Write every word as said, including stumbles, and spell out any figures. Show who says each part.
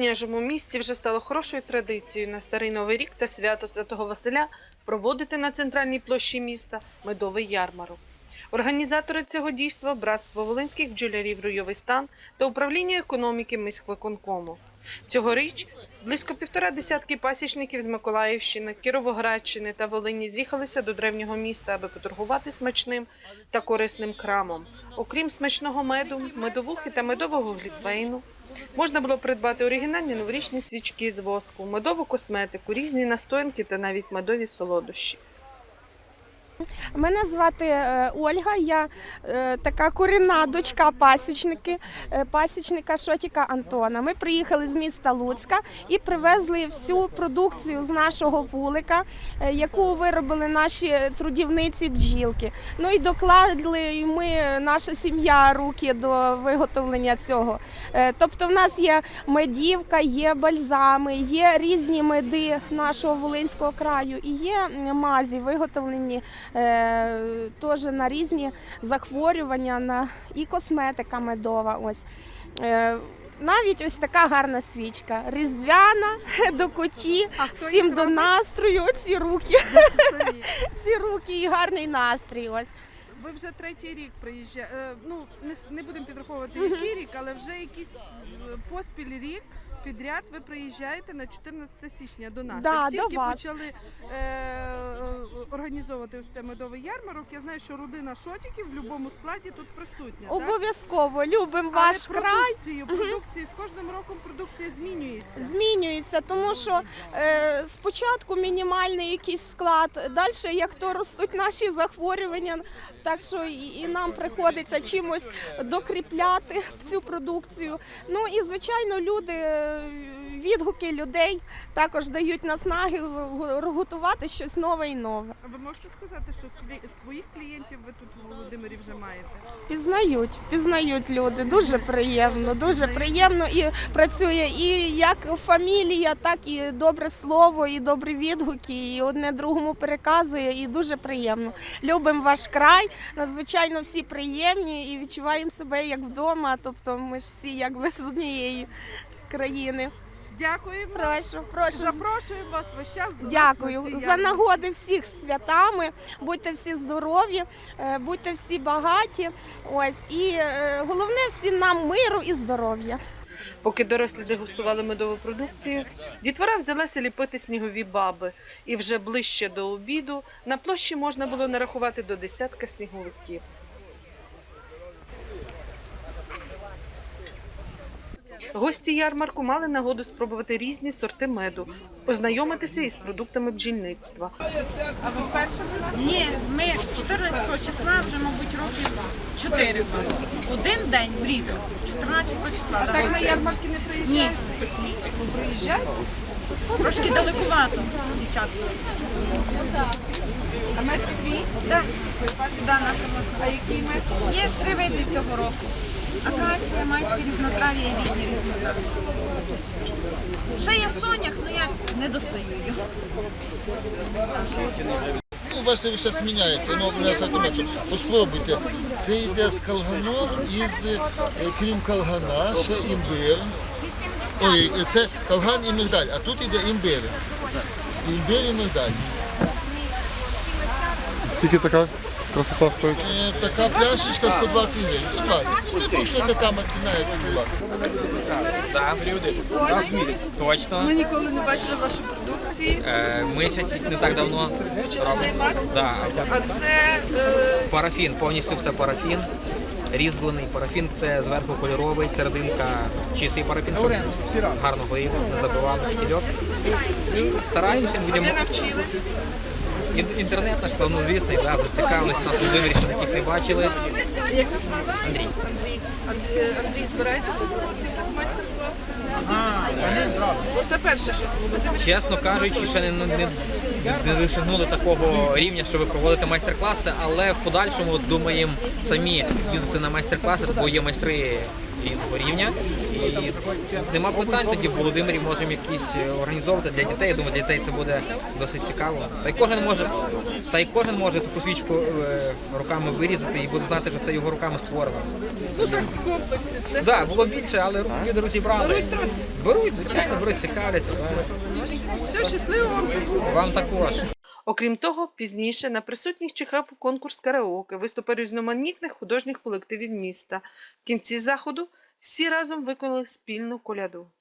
Speaker 1: княжому місті вже стало хорошою традицією на Старий Новий рік та свято Святого Василя проводити на центральній площі міста медовий ярмарок. Організатори цього дійства – Братство волинських бджолярів «Руйовий стан» та Управління економіки міськвиконкому. Цьогоріч близько півтора десятки пасічників з Миколаївщини, Кіровоградщини та Волині з'їхалися до древнього міста, аби поторгувати смачним та корисним крамом. Окрім смачного меду, медовухи та медового глінтвейну, можна було придбати оригінальні новорічні свічки з воску, медову косметику, різні настоянки та навіть медові солодощі.
Speaker 2: Мене звати Ольга, я така корінна дочка пасічники, пасічника Шотіка Антона. Ми приїхали з міста Луцька і привезли всю продукцію з нашого вулика, яку виробили наші трудівниці бджілки. Ну і докладли і ми, наша сім'я, руки до виготовлення цього. Тобто в нас є медівка, є бальзами, є різні меди нашого Волинського краю і є мазі виготовлені теж на різні захворювання, на і косметика медова. Ось. Навіть ось така гарна свічка, різдвяна, до куті, всім до настрою, ці руки, ці руки і гарний настрій. Ось.
Speaker 3: Ви вже третій рік приїжджаєте, ну не, не будемо підраховувати який рік, але вже якийсь поспіль рік підряд ви приїжджаєте на чотирнадцяте січня до нас.
Speaker 2: Да,
Speaker 3: Як тільки
Speaker 2: до вас.
Speaker 3: почали е, організовувати ось цей медовий ярмарок, я знаю, що родина Шотіків в будь-якому складі тут присутня.
Speaker 2: Обов'язково, любимо ваш
Speaker 3: Але
Speaker 2: край.
Speaker 3: продукцію, продукцію, з кожним роком продукція змінюється.
Speaker 2: Змінюється, тому що е, спочатку мінімальний якийсь склад, далі як то ростуть наші захворювання, так що і, і нам приходиться чимось докріпляти цю продукцію. Ну і звичайно люди, відгуки людей також дають наснаги готувати щось нове і нове.
Speaker 3: А ви можете сказати, що своїх клієнтів ви тут у Володимирі вже маєте?
Speaker 2: Пізнають, пізнають люди. Дуже приємно, дуже приємно і працює і як фамілія, так і добре слово, і добрі відгуки, і одне другому переказує, і дуже приємно. Любимо ваш край, надзвичайно всі приємні і відчуваємо себе як вдома, тобто ми ж всі якби з однієї країни.
Speaker 3: Дякуємо.
Speaker 2: Прошу, прошу.
Speaker 3: Запрошуємо вас весь час до
Speaker 2: Дякую.
Speaker 3: нас на ці
Speaker 2: За нагоди всіх з святами. Будьте всі здорові, будьте всі багаті. Ось. І головне всім нам миру і здоров'я.
Speaker 1: Поки дорослі дегустували медову продукцію, дітвора взялася ліпити снігові баби. І вже ближче до обіду на площі можна було нарахувати до десятка сніговиків. Гості ярмарку мали нагоду спробувати різні сорти меду, познайомитися із продуктами бджільництва.
Speaker 3: А ви вперше у нас?
Speaker 4: Ні, ми чотирнадцятого числа вже, мабуть, років чотири у нас. Один день в рік, чотирнадцятого числа.
Speaker 3: А так на ярмарки не приїжджаєте?
Speaker 4: Ні.
Speaker 3: Ви приїжджаєте?
Speaker 4: Трошки далекувато, дівчатка.
Speaker 3: А мед свій?
Speaker 4: Да. Да, наша власна.
Speaker 3: А який мед?
Speaker 4: Є три види цього року. Акація, майське різнотрав'я і літнє різнотрав'я. Ще є сонях, але я не достаю його.
Speaker 5: Ну, бачите, зараз міняється, ну, не автомат, спробуйте. Це йде з калганом, із, крім калгана, ще імбир. Ой, це калган і мигдаль, а тут йде імбир. Імбир і мигдаль.
Speaker 6: Скільки така красота стоїть?
Speaker 5: Е, Така пляшечка сто двадцять гривень, сто двадцять. Не точно така сама ціна, як і була.
Speaker 7: Так, люди. Точно.
Speaker 3: Ми ніколи не бачили вашої продукції.
Speaker 7: Е, Ми ще не так давно робимо. Да.
Speaker 3: А це е,
Speaker 7: Парафін, повністю все парафін. Різьблений парафін, це зверху кольоровий, серединка чистий парафін, щоб гарно горіло, не забивало фітільок. Стараємося, будемо.
Speaker 3: де навчились?
Speaker 7: Ін- Інтернет наш славнозвісний, да, зацікавились нас у Володимирі, що таких не бачили.
Speaker 3: Як вас звати?
Speaker 7: Андрій.
Speaker 3: Андрій. Андрій, Андрій, збираєтеся проводити якісь майстер-класи? Оце перше щось в Володимирі.
Speaker 7: Чесно кажучи, ще не, не, не досягнули такого рівня, щоб проводити майстер-класи, але в подальшому думаємо самі їздити на майстер-класи, бо є майстри різного рівня. І нема питань, тоді в Володимирі можемо якісь організовувати для дітей. Я думаю, для дітей це буде досить цікаво. Та й кожен може, та й кожен може таку свічку е, руками вирізати і буде знати, що це його руками створено.
Speaker 3: Ну так в комплексі все.
Speaker 7: Так, да, було більше, але люди розібрали. Беруть трохи? Беруть, звичайно, беруть, цікавляться.
Speaker 3: Все, щасливо вам.
Speaker 7: Вам також.
Speaker 1: Окрім того, пізніше на присутніх чекав конкурс караоке, виступи різноманітних художніх колективів міста. В кінці заходу всі разом виконали спільну коляду.